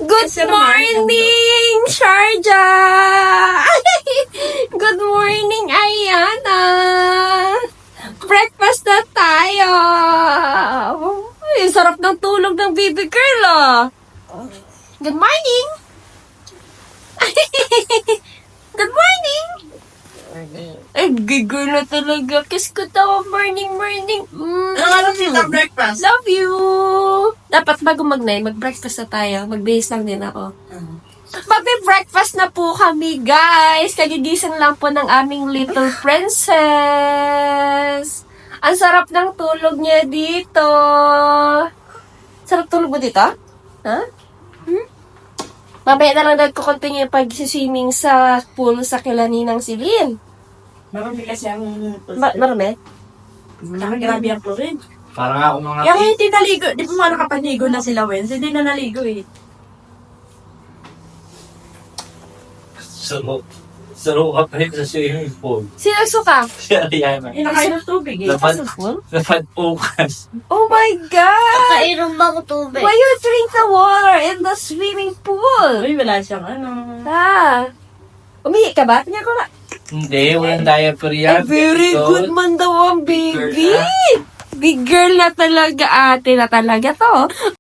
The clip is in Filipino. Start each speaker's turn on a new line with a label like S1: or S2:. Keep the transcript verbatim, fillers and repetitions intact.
S1: Good morning, Sharjah! Good morning, Ayana! Breakfast na tayo! Ay, sarap ng tulog ng baby girl, ah! Good morning! Good morning! Ay, gigil na talaga. Kiss ko daw, morning, morning. Mm.
S2: Ano sila breakfast?
S1: Love you! Dapat bago mag-night, mag-breakfast na tayo. Mag-base lang din ako. Magbe-breakfast na po kami, guys! Kagigising lang po ng aming little princess! Ang sarap ng tulog niya dito! Sarap tulog mo dito? Ha? Hmm? Mamaya na lang nagko-continue yung pag-swimming sa pool sa kilaninang silin.
S2: Marami kasi ang...
S1: Ma- marami?
S2: Saka grabe ang chlorine.
S3: Parang ako mga...
S2: Yung hindi naligo, di ba mga nakapanigo na sila, Wens? Hindi na naligo eh.
S3: Salo. Salo ka pa rin sa swimming pool.
S1: Sinagsuka?
S3: Si Ariana.
S2: Inakain ng tubig eh.
S3: Dapat,
S1: Sa pool?
S3: dapat bukas.
S1: Oh my God!
S4: Kainom ba ko tubig?
S1: Why you drink the water in the swimming pool?
S2: Uy, wala siyang ano.
S1: Ah. Umihi ka ba? Tingnan ko nga.
S3: Hindi, walang diaper yan.
S1: Ay, very
S3: Ito,
S1: good man daw ang
S3: Big girl
S1: baby.
S3: na.
S1: Big girl na talaga ate na talaga to.